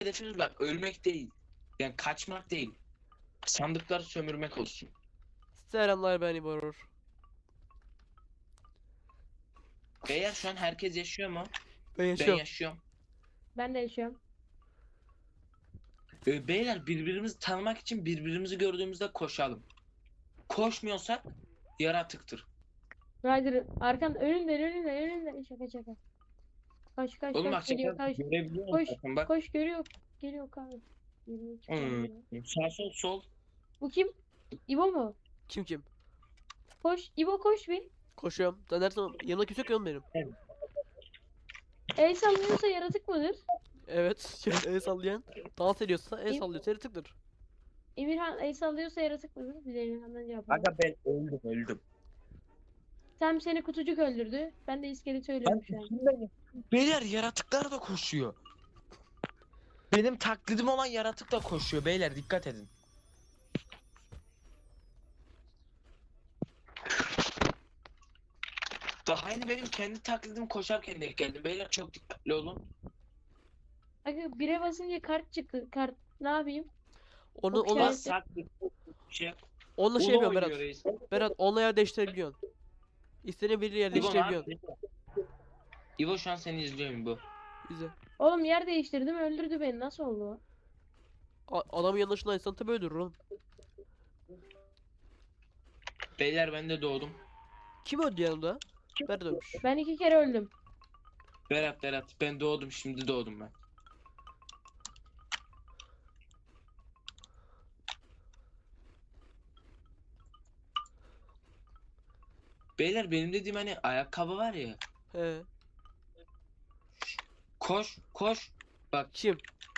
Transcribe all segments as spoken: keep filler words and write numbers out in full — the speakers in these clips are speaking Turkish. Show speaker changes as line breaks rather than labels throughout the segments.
hedefimiz bak ölmek değil. Yani kaçmak değil. Sandıkları sömürmek olsun.
Selamlar, ben İborur.
Beyler şu an herkes yaşıyor mu?
Ben
Ben
yaşıyorum.
yaşıyorum.
Ben de yaşıyorum.
Ee, beyler birbirimizi tanımak için birbirimizi gördüğümüzde koşalım. Koşmuyorsak yaratıktır.
Ryder arkan önünden önünden önünden şaka şaka. Kaç kaç
Oğlum bak
kaç geliyor
şaka
kaç.
görebiliyor
Koş
musun zaten bak.
koş görüyor. Geliyor kanka. Yürüyor, çıkıyor ya.
Hmm, sağ sol sol.
Bu kim? İbo mu?
Kim kim?
Koş. İbo koş bir.
Koşuyorum. Da nereden? Yanımda kimse yok ya oğlum benim.
El sallıyorsa yaratık mıdır?
Evet. El sallayan. Dans ediyorsa el
İyi.
sallıyorsa yaratıktır.
Emirhan el sallıyorsa yaratık mıdır? Bir de Emirhan'dan cevap alalım.
Aga ben öldüm öldüm.
Tam seni kutucuk öldürdü. Ben de iskeleti ölüyorum şu an.
Beyler yaratıklar da koşuyor. Benim taklidim olan yaratık da koşuyor beyler dikkat edin. Daha yeni benim kendi taklidim koşarken denk geldim. Beyler çok dikkatli olun.
Aga bire basınca kart çıktı. Kart ne yapayım?
Onu
Okey.
ona
Evet.
Taklit şey.
onunla şey
Uno
yapıyorum
oynuyor
Berat.
reis.
Berat onunla yer değiştirebiliyorsun. İstediğin bir yer
İbo ne
değiştirebiliyorsun.
yapıyor? İbo şu an seni izliyorum bu.
Bize.
Oğlum yer değiştirdim öldürdü beni. Nasıl oldu o?
A- Adamın yanlışından insan tabi öldürür oğlum.
Beyler ben de doğdum.
Kim öldü yanımda? Berat ölmüş.
Ben iki kere öldüm.
Berat Berat ben doğdum şimdi doğdum ben. Beyler benim dediğim hani ayakkabı var ya.
He.
Koş koş. Bak
Kim?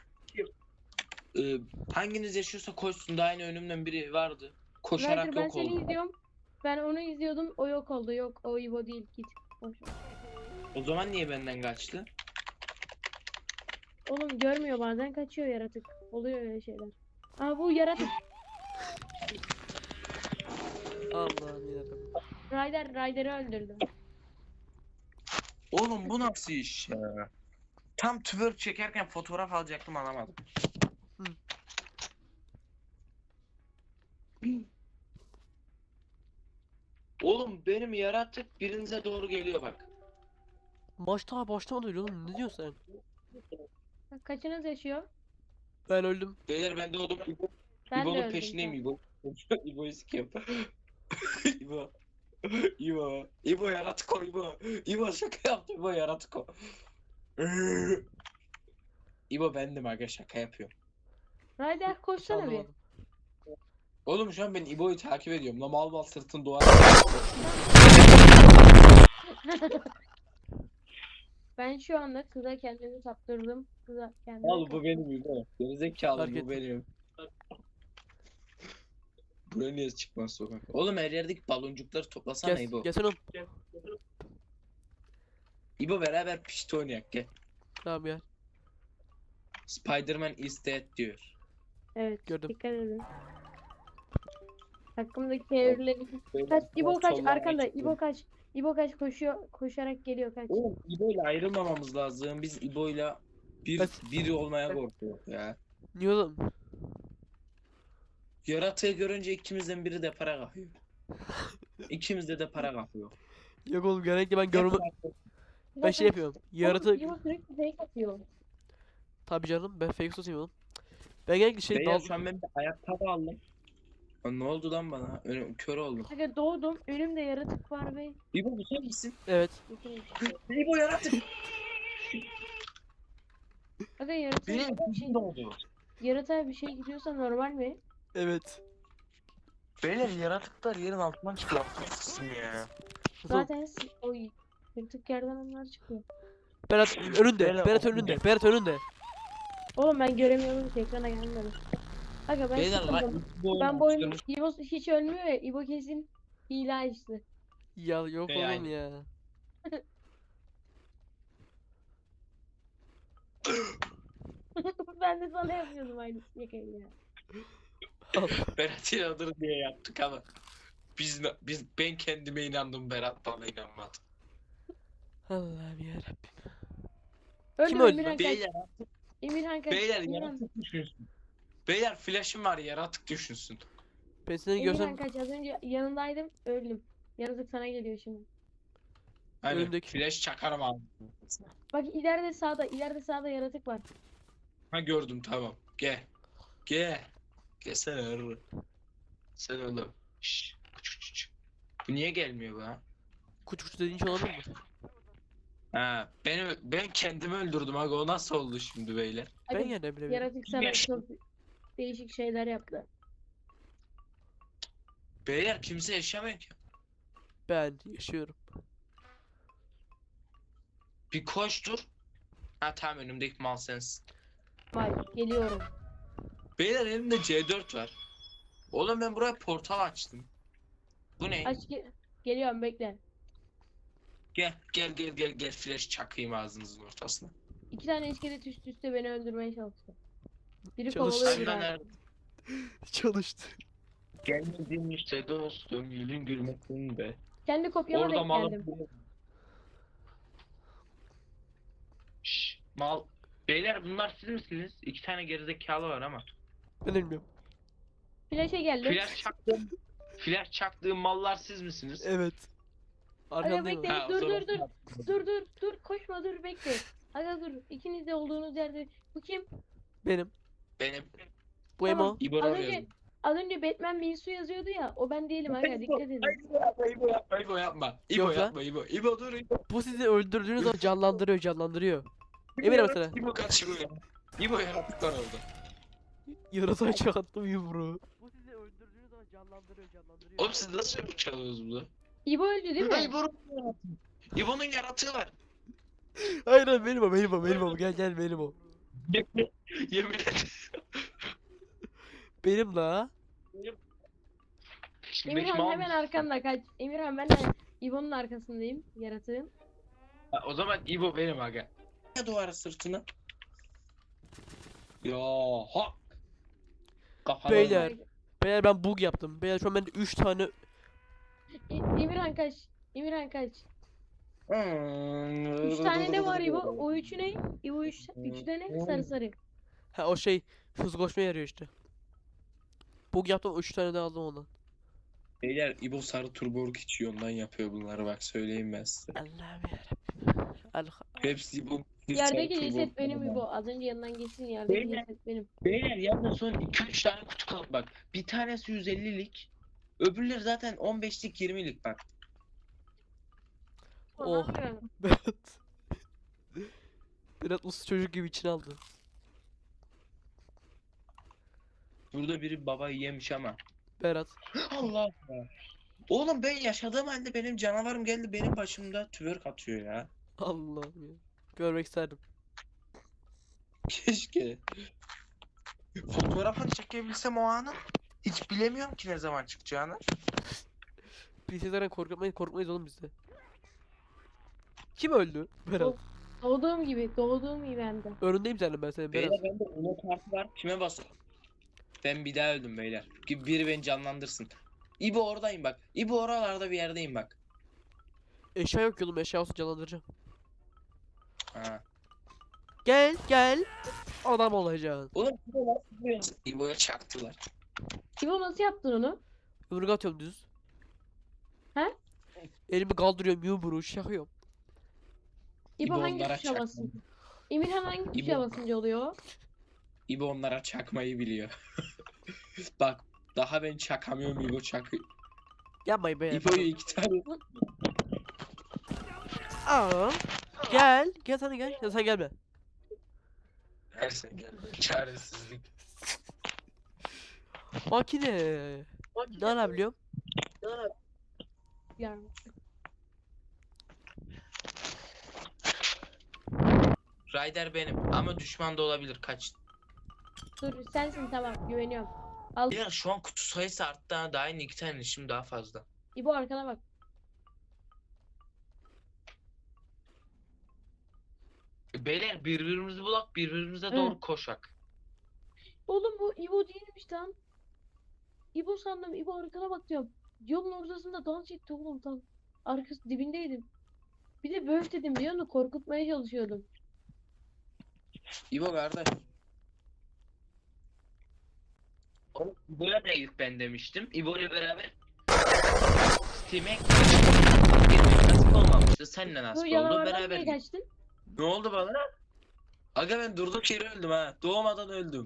e, hanginiz yaşıyorsa koşsun daha yeni önümden biri vardı. Koşarak
Ryder ben
yok
seni
oldu.
izliyorum. Ben onu izliyordum. O yok oldu. Yok o İbo değil. Git. Boş ver.
O zaman niye benden kaçtı?
Oğlum görmüyor bazen kaçıyor yaratık. Oluyor öyle şeyler. Aa bu yaratık.
Allah'ım yarabbim.
Ryder Ryder'ı öldürdü.
Oğlum bu nasıl iş ya? Tam twerk çekerken fotoğraf alacaktım alamadım.
Hı.
Oğlum benim yaratık birinize doğru geliyor bak.
Maç daha başlamadı öyle oğlum. Ne diyorsun sen?
Kaçınız yaşıyor?
Ben öldüm.
Beyler ben doğdum. İbo,
Ben de
İbo'nun
öldüm.
peşindeyim İbo. İbo'yu sikiyorum. İbo. İbo. İbo yaratık o İbo. İbo şaka yaptı İbo yaratık o. İbo bendim aga şaka yapıyorum.
Ryder
Hiç
koşsana bir.
anlamadım.
Oğlum şu an ben İbo'yu takip ediyorum. La mal mal sırtın duvar.
Ben şu anda kıza kendimi saptırdım. Kıza kendimi
Al bu benim İbo. Gerizekalı
Fark
bu
ettim.
benim. Buraya niye çıkmaz sokak? Oğlum her yerdeki baloncukları toplasana
Gel,
İbo.
gelsene oğlum.
İbo beraber pişti oynayak gel.
Tamam gel.
Spider-Man is dead diyor.
Evet.
Gördüm.
Dikkat edin. Hakkımdaki evrileri. Kaç İbo kaç
Soldan
arkanda.
geçti.
İbo kaç. İbo kaç koşuyor. Koşarak geliyor kaç.
Oğlum İbo'yla ayrılmamamız lazım. Biz İbo'yla bir
Evet.
biri olmaya korkuyoruz ya.
Niye oğlum?
Yaratığı görünce ikimizden biri de para kapıyor. İkimizde de para kapıyor.
Yok oğlum genellikle ben görme... Ben şey yapıyorum. Yaratık...
İbo sürekli fake atıyor.
Tabii canım ben fake tutayım oğlum. Ben genellikle şey
Beyler
dal...
şu an ben bir ayakkabı aldım. Lan ne oldu lan bana? Önüm kör oldum.
Aga doğdum. Önümde yaratık var ve
İbo bu sen misin?
Evet.
İbo yaratık.
Aga yaratık
Benim
bir şey,
kızım doğdu.
yaratığa bir şey gidiyorsa normal mi?
Evet.
Beyler yaratıklar yerin altından çıkıyor. Kızım ya.
Zaten s- o yaratık yerden onlar çıkıyor.
Berat önünde.
Beyler,
Berat
o-
önünde. Berat önünde.
Oğlum ben göremiyorum ki ekrana gelmedi. Aga ben
Beyler
sıkıldım.
lan İbo
Ben bu oyunu
oyunu
İbo hiç ölmüyor ya. İbo kesin hile açtı.
Ya yok
Hey,
oğlum
aynen.
ya.
Ben de sana yapıyordum aynı yakayı ya.
Berat inanır diye yaptık ama biz biz ben kendime inandım Berat bana inanmadı.
Allah'ım yarabbim.
Öldü
Kim
mü
öldü
Emirhan
lan?
kaç.
Beyler
Emirhan kaç.
Beyler
Emirhan,
yaratık düşünsün. Beyler flash'ım var yaratık düşünsün.
Ben seni
Emirhan
görsem
kaç. Az önce yanındaydım. Öldüm. Yaratık sana geliyor şimdi.
Hani
Önümdeki.
flash çakarım abi.
Bak ileride sağda. ileride sağda yaratık var.
Ha gördüm tamam. Gel. Gel. Gelsene hırrı. Sen oğlum. Şşş. Küçük küçük. Bu niye gelmiyor bu ha?
kuş kuş dediğin şey olabilir mi?
Ha, beni ben kendimi öldürdüm aga o nasıl oldu şimdi beyler?
Ben
Hadi,
yine bilebilirim.
yaratık sana
Yaş-
çok değişik şeyler yaptı.
Beyler kimse yaşamıyor ki.
Ben yaşıyorum.
Bir koştur. Ha tamam önümdeki mal sensin.
Vay geliyorum.
Beyler elimde C dört var. Oğlum ben buraya portal açtım. Bu ne?
Aç ge- geliyorum bekle.
Gel gel gel gel gel flash çakayım ağzınızın ortasına.
İki tane iskelet üst üste beni öldürmeye çalıştı. Biri
Çalış-
kovalıyor
Aynen
biri.
nerede?
Çalıştı.
Gelmedin işte dostum gülün gülmesin be.
Kendi kopyama
Orada
denk
mal.
geldim.
Şşş, mal. Beyler bunlar siz misiniz? İki tane gerizekalı var ama.
Ben bilmiyorum.
Flash'e geldim.
Flash çaktığım, flash çaktığım mallar siz misiniz?
Evet.
Aga
Arkandayım
bekle
ama.
Ha, o
dur
zaman-
dur dur. Dur dur dur koşma dur bekle. Aga dur ikiniz de olduğunuz yerde. Bu kim?
Benim.
Benim
Bu
Tamam.
Emo.
İbor
Az
arıyorum.
önce az önce Batman Binsu yazıyordu ya. O ben değilim aga dikkat edin.
İbo yapma, İbo yapma, İbo yapma. İbo
Yok lan.
yapma, İbo. İbo dur, İbo.
Bu sizi öldürdüğünüz zaman canlandırıyor canlandırıyor. Emir mesela.
İbo kaç İbo ya. İbo yaratık var orada.
Yarasa çaktım yumruğu. Bu sizi öldürdüğünüz zaman canlandırıyor canlandırıyor.
Oğlum siz nasıl yapıp çalıyorsunuz bunu?
İbo öldü değil
Ha,
mi?
İbo'nun yaratığı. İbo'nun yaratığı var.
Hayır hayır benim o benim o benim o gel gel benim o.
Yemin ederim.
Benim la.
Şimdi benim
Emirhan
mal
hemen
mısın?
arkanda kaç. Emirhan ben de İbo'nun arkasındayım yaratığın.
Ha, o zaman İbo benim aga. Ya duvara sırtına. Ya ha. Kafana
Beyler. Beyler ben bug yaptım. Beyler şu an bende üç tane
E- Emirhan kaç. Emirhan kaç.
Hmm.
Üç tane de var İbo. O üçü ne? İbo üç, üçü de ne? Sarı sarı.
ha o şey hız koşmaya yarıyor işte. Bug yaptım üç tane de aldım ondan.
Beyler İbo sarı turborg içiyor ondan yapıyor bunları bak söyleyeyim ben size.
Allah'ım yarabbim. Allah.
Hepsi İbo.
Yerdeki ceset benim İbo. Az önce yanından geçsin yerdeki
Beyler.
ceset benim.
Beyler yalnız son iki üç tane kutu kaldı bak. Bir tanesi yüz ellilik. Öbürleri zaten on beşlik yirmilik bak.
Oh.
Ondan sonra-
Berat. Berat uslu çocuk gibi içine aldı.
Burada biri babayı yemiş ama.
Berat.
Allah Allah. Oğlum ben yaşadığım halde benim canavarım geldi benim başımda twerk atıyor ya.
Allah'ım ya. Görmek isterdim.
Keşke. Fotoğrafını çekebilsem o anı. Hiç bilemiyorum ki ne zaman çıkacağını.
Biz sizlerden korkmayız, korkmayız oğlum bizde. Kim öldü? Berat.
Doğduğum gibi. Doğduğum gibi hem de.
Önündeyim senin ben senin Berat.
Beyler bende Uno kartı var. Kime basın? Ben bir daha öldüm beyler. Ki biri beni canlandırsın. İbo oradayım bak. İbo oralarda bir yerdeyim bak.
Eşya yok ki oğlum eşya olsa canlandıracağım.
Ha.
Gel gel. Adam olacaksın.
Oğlum İbo nasıl yapıyorsun? İbo'ya çaktılar.
İbo nasıl yaptın onu?
Yumruk atıyorum düz.
He?
Elimi kaldırıyorum yumruğu şakıyorum.
İbo
İbo
hangi
onlara
tuşa
çakma.
basın? Emirhan hangi tuşa
İbo.
basınca oluyor?
İbo onlara çakmayı biliyor. Bak daha ben çakamıyorum İbo çakıyor.
Yapmayın be.
İbo'yu iki tane.
Aa. Gel. Gel sen de gel. Ya sen gelme.
Neyse gel. Çaresizlik.
Makine. Ne yapabiliyorum?
Yani.
Ryder benim ama düşman da olabilir kaç.
Dur sensin tamam güveniyorum. Al
Ya şu an kutu sayısı arttı ha daha yeni iki tane işim daha fazla.
İbo arkana bak.
Beyler birbirimizi bulak birbirimize
Hı.
doğru koşak.
Oğlum bu İbo değilmiş lan. İbo sandım. İbo arkana bak diyorum. Yolun ortasında dans etti oğlum tam. Arkası dibindeydim. Bir de böf dedim biliyor musun? Korkutmaya çalışıyordum.
İbo kardeş.
Oğlum, İbo'ya da ilk ben demiştim. İbo'yla beraber Steam'e nasip olmamıştı. Seninle
Bu
nasip oldu.
canavardan
Beraber
niye
gittik.
kaçtın?
Ne oldu bana? Aga ben durduk yere öldüm ha. Doğmadan öldüm.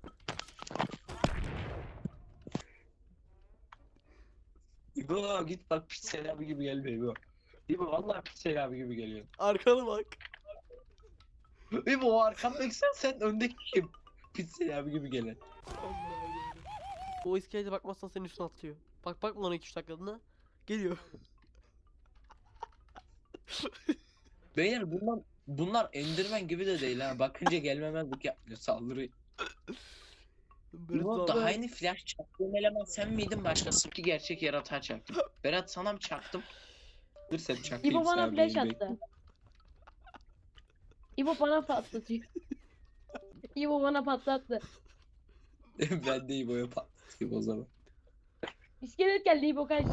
İbo git bak Piksel abi gibi gelme İbo. İbo vallahi Piksel abi gibi geliyor.
Arkana bak.
İbo o arkamdaki sen, sen öndeki kim? Piksel abi gibi gelen.
O iskelete bakmazsan senin üstüne atlıyor. Bak bak bana iki üç dakikalığına. Geliyor.
Beyler bunlar bunlar Enderman gibi de değil ha. Bakınca gelmemezlik yapmıyor saldırı.
Berat
İbo
abi-
daha aynı flash çaktığın eleman sen miydin başkası ki gerçek yaratığa çaktım. Berat sana mı çaktım? Dur sen çakayım
İbo bana
sana
flash
benim
attı. İbo bana patlatıyor. İbo bana patlattı.
bekle. Ben de İbo'ya patlatayım o zaman.
İskelet geldi İbo kaç.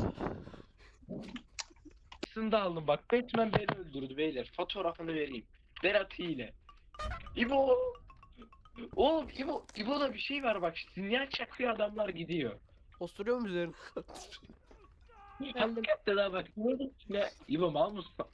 Aslında aldım bak. Batman beni öldürdü beyler. Fotoğrafını vereyim. Berat hile. İbo. Oğlum İbo, İbo'da bir şey var bak. Sinyal çakıyor adamlar gidiyor.
Osturuyor mu üzerine?
Geldim.
Hakikaten ha bak. Ne? İbo mal mısın?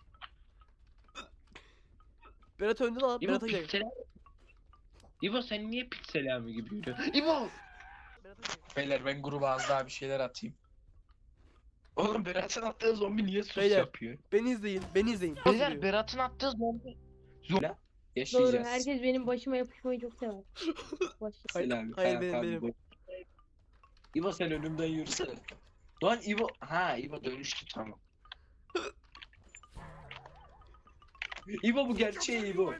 Berat önde lan.
İbo
Berat'a gel.
piksel. İbo sen niye piksel abi gibi yürüyorsun? İbo.
Berat'a gel.
Beyler ben gruba az daha bir şeyler atayım.
Oğlum Berat'ın attığı zombi niye sus
Beyler.
yapıyor?
Beni izleyin. Beni izleyin. Nasıl
Beyler
diyor?
Berat'ın attığı zombi.
Doğru.
Yaşayacağız.
Herkes benim başıma yapışmayı çok sever. Baş.
Hayır,
Selam.
hayır, benim, benim.
İbo sen önümden yürüsene.
Lan İbo. Ha İbo dönüştü tamam.
İbo bu gerçeği İbo.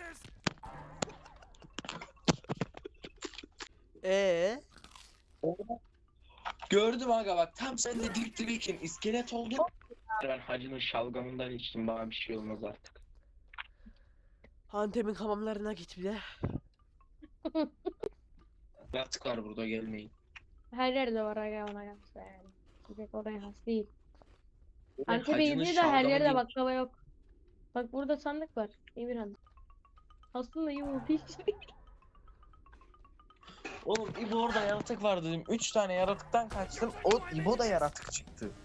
Eee?
Gördüm aga bak tam sen de dip dibiyken iskelet oldun.
Ben hacının şalgamından içtim bana bir şey olmaz artık.
Antep'in hamamlarına git bir de.
Yaratık var burada gelmeyin.
Her yerde var aga ona kalsa yani. Bir tek oraya has değil.
Ben
Antep'e
hacının
gidiyor da her
şalgamı
yerde
gibi-
baklava yok. Bak burada sandık var. Emirhan. Aslında yumurta hiç.
Oğlum İbo orada yaratık var dedim. Üç tane yaratıktan kaçtım. O İbo da yaratık çıktı.